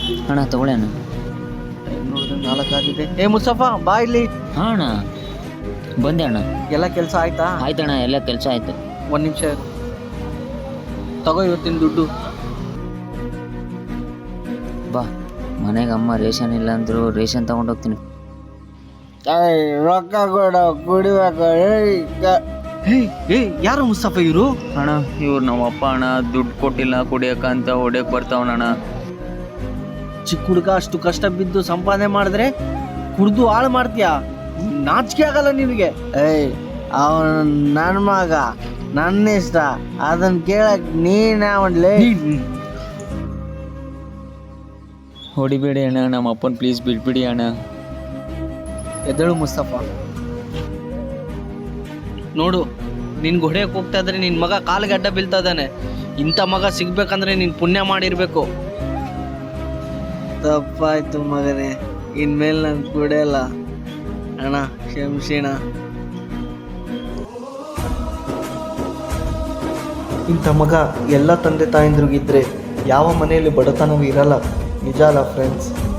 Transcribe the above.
ಅಣ್ಣ ತಗೊಳ್ಳಿ ಅಣ್ಣ. ನೋಡಿದ್ರೆ 4 ಆಗಿದೆ. ಏ ಮುಸ್ತಫಾ ಬಾ ಇಲ್ಲಿ. ಹಾಂ ಅಣ್ಣ ಬಂದೆ ಅಣ್ಣ. ಎಲ್ಲ ಕೆಲಸ ಆಯ್ತಾ? ಆಯ್ತಣ್ಣ, ಎಲ್ಲ ಕೆಲಸ ಆಯ್ತು. 1 ನಿಮಿಷ ತಗೋ ಇವತ್ತಿನ ದುಡ್ಡು. ಬಾ, ಮನೆಗೆ ಅಮ್ಮ ರೇಷನ್ ಇಲ್ಲ ಅಂದರು ರೇಷನ್ ತಗೊಂಡೋಗ್ತೀನಿ. ರೊಕ್ಕ ಕೊಡ ಕುಡಿಬೇಕು. ಯಾರು ಮುಸ್ತಫಾ ಇವರು? ಅಣ್ಣ ಇವ್ರು ನಮ್ಮ ಅಪ್ಪ ಅಣ್ಣ. ದುಡ್ಡು ಕೊಟ್ಟಿಲ್ಲ ಕುಡಿಯೋಕ್ಕಂತ ಹೊಡಿಯೋಕೆ ಬರ್ತಾವಣ್ಣ. ಚಿಕ್ಕ ಹುಡುಗ ಅಷ್ಟು ಕಷ್ಟ ಬಿದ್ದು ಸಂಪಾದನೆ ಮಾಡಿದ್ರೆ ಕುಡ್ದು ಹಾಳು ಮಾಡ್ತೀಯಾ? ನಾಚಿಕೆ ಆಗಲ್ಲ ನಿನಗೆ? ಅವನು ನನ್ನ ಮಗ, ನನ್ನ ಇಷ್ಟ, ಅದನ್ನ ಕೇಳಕ್ ನೀನ್ ಯಾವನ್ಲೇ? ಹೊಡಿಬೇಡಿ ಅಣ್ಣ, ನಮ್ಮ ಅಪ್ಪನ ಪ್ಲೀಸ್ ಬಿಟ್ಬಿಡಿ ಅಣ್ಣ. ಎದ್ದೇಳು ಮುಸ್ತಫಾ. ನೋಡು, ನಿನ್ಗೆ ಹೊಡೆಯಕ್ಕೆ ಹೋಗ್ತಾ ಇದ್ರೆ ನಿನ್ನ ಮಗ ಕಾಲಿಗೆ ಅಡ್ಡ ಬೀಳ್ತಾ ಇದ್ದಾನೆ. ಇಂಥ ಮಗ ಸಿಗ್ಬೇಕಂದ್ರೆ ನೀನು ಪುಣ್ಯ ಮಾಡಿರ್ಬೇಕು. ತಪ್ಪಾಯ್ತು ಮಗನೇ, ಇನ್ಮೇಲೆ ನಾನು ಕುಡಿಯಲ್ಲ ಅಣ್ಣ, ಕ್ಷಮಿಸೋಣ. ಇಂಥ ಮಗ ಎಲ್ಲ ತಂದೆ ತಾಯಂದ್ರಿಗಿದ್ರೆ ಯಾವ ಮನೆಯಲ್ಲಿ ಬಡತನವೂ ಇರಲ್ಲ. ನಿಜ ಅಲ್ಲ ಫ್ರೆಂಡ್ಸ್?